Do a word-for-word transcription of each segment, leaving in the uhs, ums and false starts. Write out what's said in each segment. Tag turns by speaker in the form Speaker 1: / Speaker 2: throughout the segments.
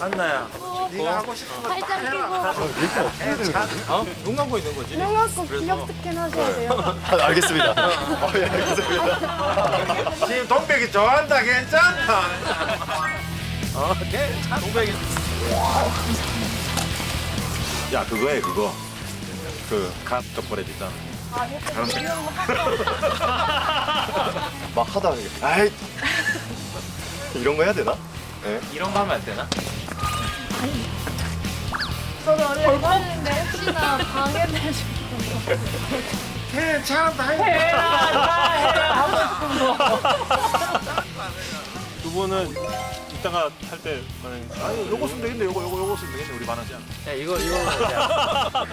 Speaker 1: 한나야, 네가 하고 싶은 거
Speaker 2: 팔짱 끼고
Speaker 1: 어? 눈 감고 있는 거지?
Speaker 2: 눈 감고 기력 스캔 하셔야 돼요.
Speaker 3: 아, 알겠습니다. 어, 예, 알겠습니다.
Speaker 1: 지금 동백이 좋아한다. 괜찮다. 어, 괜찮아. 동백이. 야, 그거에 그거. 그갓 덕분에 있잖아.
Speaker 2: 아, 이렇게 이런 거
Speaker 3: 막 하다가 이게, 아이 이런 거 해야 되나? 네.
Speaker 1: 이런 거 하면 안 되나?
Speaker 2: 저도 원래 이거 했는데 혹시나 방해되실까
Speaker 1: 괜찮다.
Speaker 2: 해라 해라 하고 싶은 거.
Speaker 4: 두 분은 이따가 할 때 만약에
Speaker 1: 아니, 요거 쓰면 되겠네. 요거, 요거, 요거 쓰면 되겠네. 우리 반하지 않아.
Speaker 5: 야 이거 이거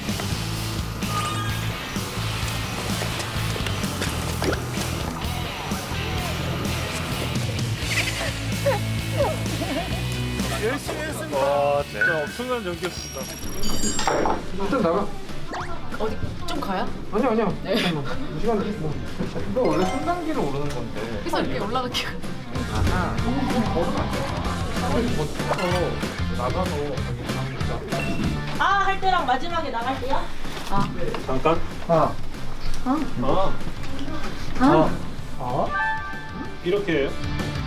Speaker 4: 열심히 했습니다.
Speaker 3: 와,
Speaker 4: 진짜 엄청난 연기였습니다.
Speaker 6: 일단 나가.
Speaker 7: 어디 좀 가요?
Speaker 6: 아니야 아니야. 잠깐만. 두 시간 됐어. 이거 원래 삼 단계로 오르는 건데.
Speaker 7: 그래서 이렇게 올라갈게요.
Speaker 6: 아하. 걸으면 안 돼. 빨리 버텨서 나가서 저기 가면
Speaker 8: 아, 할 때랑 마지막에 나갈 때요?
Speaker 4: 잠깐.
Speaker 6: 아.
Speaker 4: 아.
Speaker 6: 아. 아?
Speaker 4: 이렇게 해요?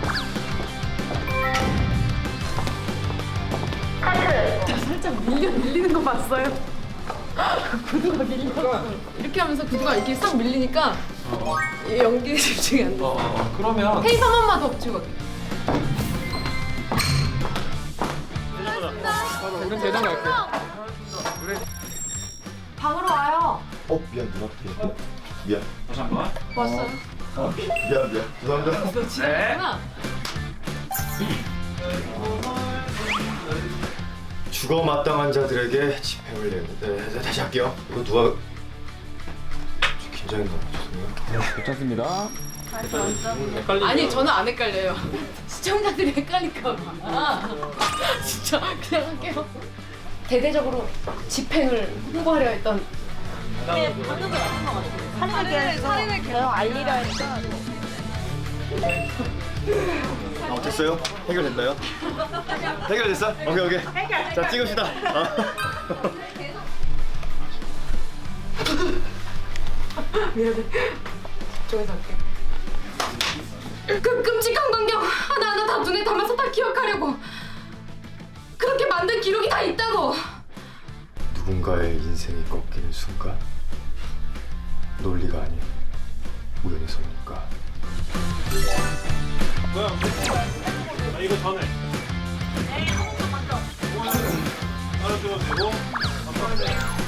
Speaker 7: 살짝 밀려 밀리는 거 봤어요? 구두가 밀려. 이렇게 하면서 구두가 이렇게 싹 밀리니까 이 연기에 집중이 안 돼.
Speaker 6: 어, 어. 그러면
Speaker 7: 페이스 한 번만 더 붙이고 갈게요.
Speaker 6: 우린 대장 갈게.
Speaker 7: 방으로 와요.
Speaker 3: 어, 미안, 누나. 미안. 미안.
Speaker 6: 다시 한 번.
Speaker 7: 왔어요.
Speaker 3: 어, 미안, 미안. 죄송합니다.
Speaker 7: 너 지났구나.
Speaker 3: 죽어 마땅한 자들에게 집행을 내는데 네, 다시 할게요. 이거 누가 좀 긴장했나 죄송해요.
Speaker 6: 괜찮습니다.
Speaker 7: 아니 저는 안 헷갈려요. 시청자들이 헷갈릴까 봐. 진짜 그냥 할게요. 대대적으로 집행을 홍보하려 했던
Speaker 8: 네, 방금 맞는 것 같아요. 살인을 살인을 계속 알리려 했다.
Speaker 3: 아, 어땠어요? 해결됐나요? 해결됐어? 오케이 오케이. 자 찍읍시다. 아.
Speaker 7: 미안해. 저기서 할게. 그 끔찍한 광경 하나하나 다 눈에 담아서 다 기억하려고. 그렇게 만든 기록이 다 있다고.
Speaker 3: 누군가의 인생이 꺾이는 순간 논리가 아닌 우연의 선택과
Speaker 4: 뭐야? 아 이거 전에.
Speaker 8: 네, 한번 먼저.
Speaker 4: 하나 찍어도 되고. 한 번.